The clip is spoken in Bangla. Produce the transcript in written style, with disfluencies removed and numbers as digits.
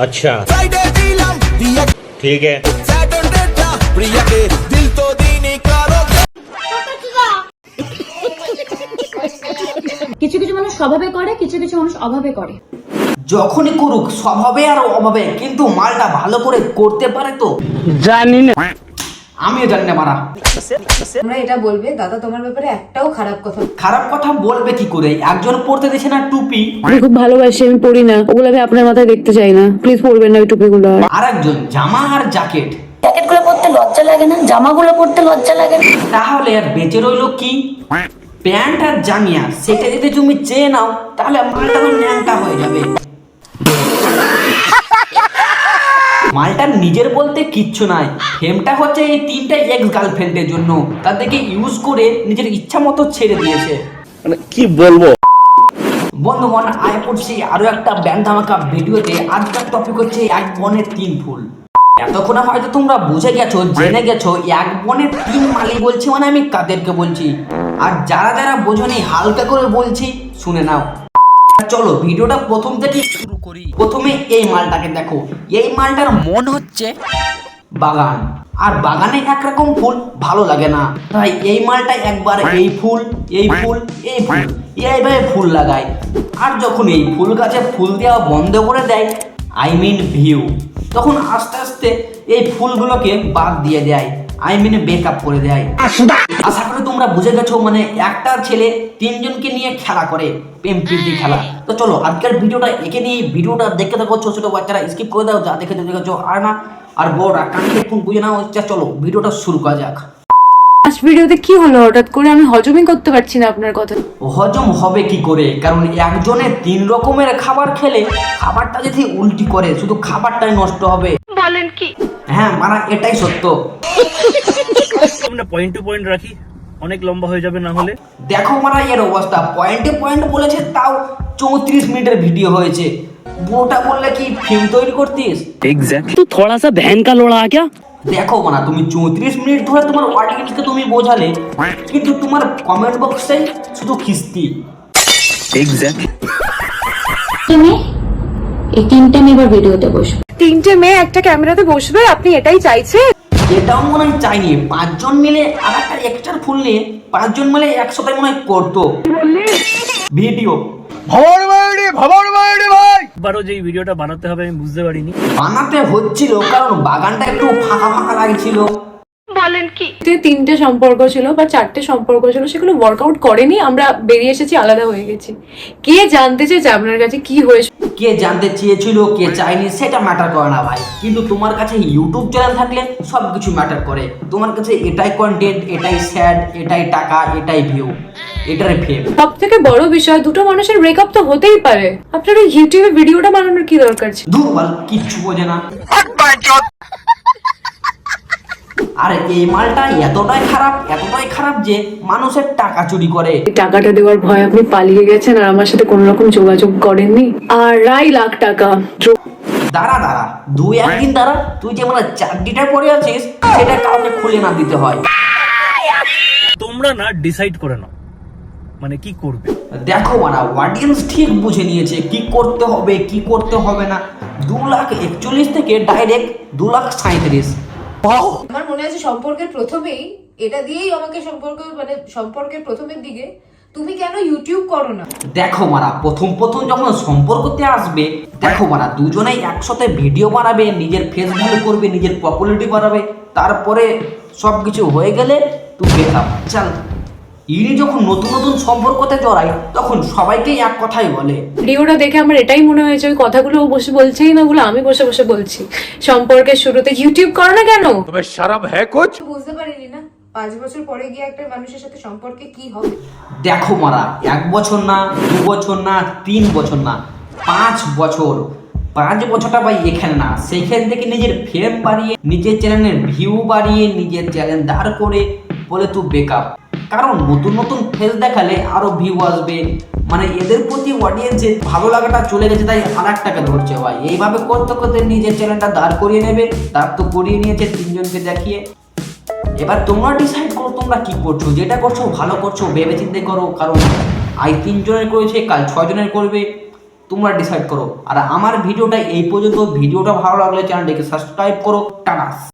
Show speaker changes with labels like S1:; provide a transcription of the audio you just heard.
S1: अच्छा ठीक है।
S2: কিছু কিছু মানুষ স্বভাবে করে, কিছু কিছু মানুষ অভাবে করে।
S3: যখনই করুক স্বভাবে আর অভাবে, কিন্তু মালটা ভালো করে করতে পারে তো
S4: জানি না,
S3: আমিও জানি না মারা।
S5: তোমরা এটা বলবে দাদা তোমার ব্যাপারে একটাও খারাপ কথা।
S3: খারাপ কথা বলবে কি করে? একজন পড়তে দিচ্ছে না টুপি,
S6: আমি খুব ভালোবাসি, আমি পড়ি না ওগুলো, আমি আপনার মাথায় দেখতে চাই না, প্লিজ পড়বেন না ওই টুপিগুলো।
S3: আর একজন জামা আর জ্যাকেট।
S2: জ্যাকেটগুলো পরতে লজ্জা লাগে না? জামাগুলো পরতে লজ্জা লাগে না?
S3: তাহলে আর বেঁচে রইলো কি? প্যান্ট আর জামিয়া, সেটা যদি তুমি চেয়ে নাও তাহলে মালটা তো ন্যাংটা হয়ে যাবে। মালটার নিজের বলতে কিচ্ছু নাই, ফেমটা হচ্ছে এই তিনটা এক্স গার্লফ্রেন্ডের জন্য, তাদেরকে ইউজ করে নিজের ইচ্ছা মতো ছেড়ে দিয়েছে।
S4: মানে কি বলবো।
S3: বন্ধুগণ, আয় পড়ছি আরো একটা ব্যান্ড ধামাকা ভিডিওতে। আজকের টপিক হচ্ছে এক বনের তিন ফুল। এতক্ষণে হয়তো তোমরা বুঝে গেছো, জেনে গেছো এক বনের তিন মালি বলছি মানে আমি কাদেরকে বলছি। আর যারা যারা বোঝনি হালকা করে বলছি শুনে নাও। চলো ভিডিওটা প্রথম থেকে শুরু করি। প্রথমে এই মালটাকে দেখো, এই মালটার মন হচ্ছে বাগান, আর বাগানে একরকম ফুল ভালো লাগে না, তাই এই মালটা একবার এই ফুল এই ফুল এই ফুল এইভাবে ফুল লাগায়। আর যখন এই ফুল গাছে ফুল দেওয়া বন্ধ করে দেয়, আই মিন ভিউ, তখন আস্তে আস্তে এই ফুলগুলোকে বাদ দিয়ে দেয়, আই মিন ব্রেকআপ করে দেয়। আশা করি তোমরা বুঝে গেছো, মানে একটা ছেলে তিনজনকে নিয়ে খেলা করে, প্রেম প্রীতি খেলা। তো চলো আজকের ভিডিওটা এঁকে নিয়ে ভিডিওটা দেখতে থাকো। ছোট ছোট বাচ্চারা স্কিপ করে দাও, যা দেখে দেখেছো, আর না আর বড়রা কানে ফোন বুঝে নাও। চলো ভিডিওটা শুরু করা যাক।
S6: লাস্ট ভিডিওতে কি হলো হঠাৎ করে? আমি হজমই করতে পারছি না আপনার কথা।
S3: হজম হবে কি করে? কারণ একজনে তিন রকমের খাবার খেলে খাবারটা যদি উল্টি করে শুধু খাবারটাই নষ্ট হবে।
S6: বলেন কি?
S3: হ্যাঁ মারা, এটাই সত্য।
S1: আমরা পয়েন্ট টু পয়েন্ট রাখি, অনেক লম্বা হয়ে যাবে না হলে।
S3: দেখো মারা এর অবস্থা, পয়েন্টে পয়েন্ট বলেছে, তাও 34 মিনিটের ভিডিও হয়েছে। পুরোটা বললে কি ফিল্ম তৈরি করতিস?
S4: एग्जैक्टली तू थोड़ा सा बहन का लोड़ा आ क्या।
S3: দেখো মানা, তুমি 34 মিনিট ধরে তোমার অডিয়েন্সকে তুমি বোঝালে, কিন্তু তোমার কমেন্ট বক্সে শুধু খিস্তি।
S4: एग्जैक्टली
S2: এই তিনটে মেয়ে এবার ভিডিওতে বসবে।
S6: তিনটে মেয়ে একটা ক্যামেরাতে বসবে, আপনি এটাই চাইছেন?
S3: এটাও মনে হয় চাইনি, 5 জন মিলে আর একটা এক্সট্রা ফুল নিয়ে 5 জন মিলে একসাথে মনে হয় করতো ভিডিও।
S1: বারো যে ভিডিওটা বানাতে হবে আমি বুঝতে পারিনি।
S3: বানাতে হচ্ছিল কারণ বাগানটা একটু ফাঁকা ফাঁকা লাগছিল।
S6: বলেন কি? তিনটে সম্পর্ক ছিল বা চারটে সম্পর্ক ছিল, সেগুলো ওয়ার্কআউট করেনি, আমরা বেরিয়ে এসেছি, আলাদা হয়ে গেছি। কে জানতে চেয়েছে আপনার কাছে কি হয়েছে?
S3: কে জানতে চেয়েছিল কে চাইনি সেটা ম্যাটার করে না ভাই, কিন্তু তোমার কাছে ইউটিউব চ্যানেল থাকলে সব কিছু ম্যাটার করে। তোমার কাছে এটাই কন্টেন্ট, এটাই স্যাড, এটাই টাকা, এটাই ভিউ, এটাই ফেম।
S6: সব থেকে বড় বিষয়, দুটো মানুষের ব্রেকআপ তো হতেই পারে, আপনার ওই ইউটিউবে ভিডিওটা বানানোর কি দরকার ছিল?
S3: দুর্বল কিচ্ছু বোঝে না। আরে এই মালটা এতটাই খারাপ যে মানুষের টাকা চুরি করে।
S6: টাকাটা দেওয়ার ভয় আপনি পালিয়ে গেছেন আর আমার সাথে কোনো রকম যোগাযোগ করেননি। 2.5 লাখ টাকা।
S3: দাঁড়া 2-1 দিন দাঁড়া, তুই যে মানে চাকরিটা পড়ে আছিস সেটা কাউকে খুলে না দিতে হয়।
S1: তোমরা না ডিসাইড করে নাও মানে কি করবে।
S3: দেখো মানা, অডিয়েন্স ঠিক বুঝে নিয়েছে কি করতে হবে কি করতে হবে না। 2,41,000 থেকে ডাইরেক্ট 2,37,000।
S5: আমার মনে আছে সম্পর্কের প্রথমেই এটা দিয়েই আমাকে সম্পর্কের প্রথমের দিকে তুমি কেন ইউটিউব করো না।
S3: দেখো মারা, প্রথম যখন সম্পর্কতে আসবে, দেখো মারা দুজনেই একসাথে ভিডিও বানাবে, নিজের ফেস ভ্যালু করবে, নিজের পপুলারিটি বাড়াবে, তারপরে সবকিছু হয়ে গেলে তুই বেকআপ চল। ইনি যখন নতুন সম্পর্কতে জড়ায় তখন সবাইকেই এক কথাই বলে।
S6: ভিডিওটা দেখে আমার এটাই মনে হয়েছে ওই কথাগুলো ও বসে বলছেই না, ওগুলো আমি বসে বসে বলছি। সম্পর্কের শুরুতে ইউটিউব করো না কেন?
S5: বুঝতে পারিনি না 5 বছর পরে গিয়ে একটা মানুষের সাথে সম্পর্কে কি হবে।
S3: দেখো মারা, 1 বছর না, 2 বছর না, 3 বছর না, 5 বছর। 5 বছরটা ভাই এখানে না, সেইখান থেকে নিজের ফেম বাড়িয়ে, নিজের চ্যানেলের ভিউ বাড়িয়ে, নিজের চ্যানেল দাঁড় করে বলে তুই বেকআপ। কারণ নতুন ফেস দেখালে আরো ভিউ আসবে, মানে এদের প্রতি অডিয়েন্সের ভালো লাগাটা চলে গেছে, তাই আর একটাকে ধরছে ভাই। এইভাবে করতে করতে নিজের চ্যানেলটা দাঁড় করিয়ে নেবে, দাঁড় তো করিয়ে নিয়েছে 3 জনকে দেখিয়ে। এবার তোমরা ডিসাইড করো তোমরা কি করছো, যেটা করছো ভালো করছো, ভেবে চিন্তে করো। কারণ আজ 3 জনের করেছে, কাল 6 জনের করবে, তোমরা ডিসাইড করো। আর আমার ভিডিওটা এই পর্যন্ত, ভিডিওটা ভালো লাগলে চ্যানেলটিকে সাবস্ক্রাইব করো। টাটা।